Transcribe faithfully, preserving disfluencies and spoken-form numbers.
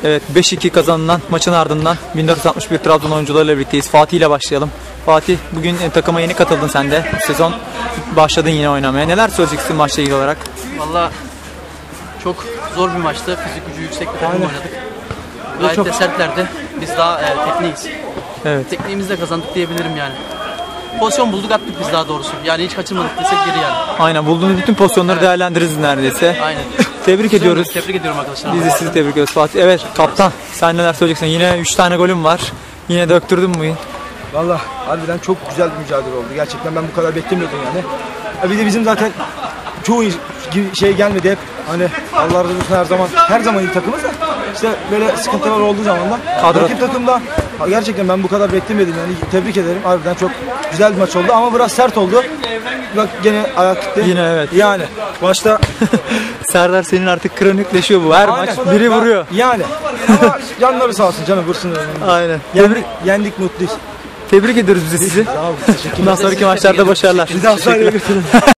Evet, beş iki kazanılan maçın ardından bin dört yüz altmış bir Trabzon oyuncularıyla birlikteyiz. Fatih ile başlayalım. Fatih, bugün e, takıma yeni katıldın sen de. Bu sezon başladın yine oynamaya. Neler söyleyeceksin maçla ilgili olarak? Valla çok zor bir maçtı. Fizik gücü yüksek bir takım oynadık. Gayet çok... de sertlerdi. Biz daha e, tekniğiz. Evet. Tekniğimizle kazandık diyebilirim yani. Pozisyon bulduk, attık biz daha doğrusu. Yani hiç kaçırmadık desek geri yani. Aynen, bulduğunuz bütün pozisyonları evet. değerlendiririz neredeyse. Aynen. Tebrik ediyoruz. Tebrik ediyorum arkadaşlar. Biz de sizi tebrik ediyoruz Fatih. Evet kaptan, sen neler söyleyeceksin? Yine üç tane golüm var. Yine döktürdün mü bugün? Valla harbiden çok güzel bir mücadele oldu. Gerçekten ben bu kadar beklemiyordum yani. Bir de bizim zaten çoğu şey gelmedi hep. Hani Allah razı olsun her zaman her zaman iyi takımız da işte böyle sıkıntılar olduğu zaman da Kadro. Rakip takımda gerçekten ben bu kadar beklemiyordum yani. Tebrik ederim. Harbiden çok güzel bir maç oldu ama biraz sert oldu. Bak gene ayak gitti. Yine evet. Yani başta Serdar senin artık kronikleşiyor bu. Her Aynen. maç biri vuruyor. Yani ama canları sağ olsun canım vursun. Aynen. Yendik, yendik mutluyuz. Tebrik ediyoruz biz de sizi. Sağ olun. Bundan sonraki maçlarda başarılar. Bir daha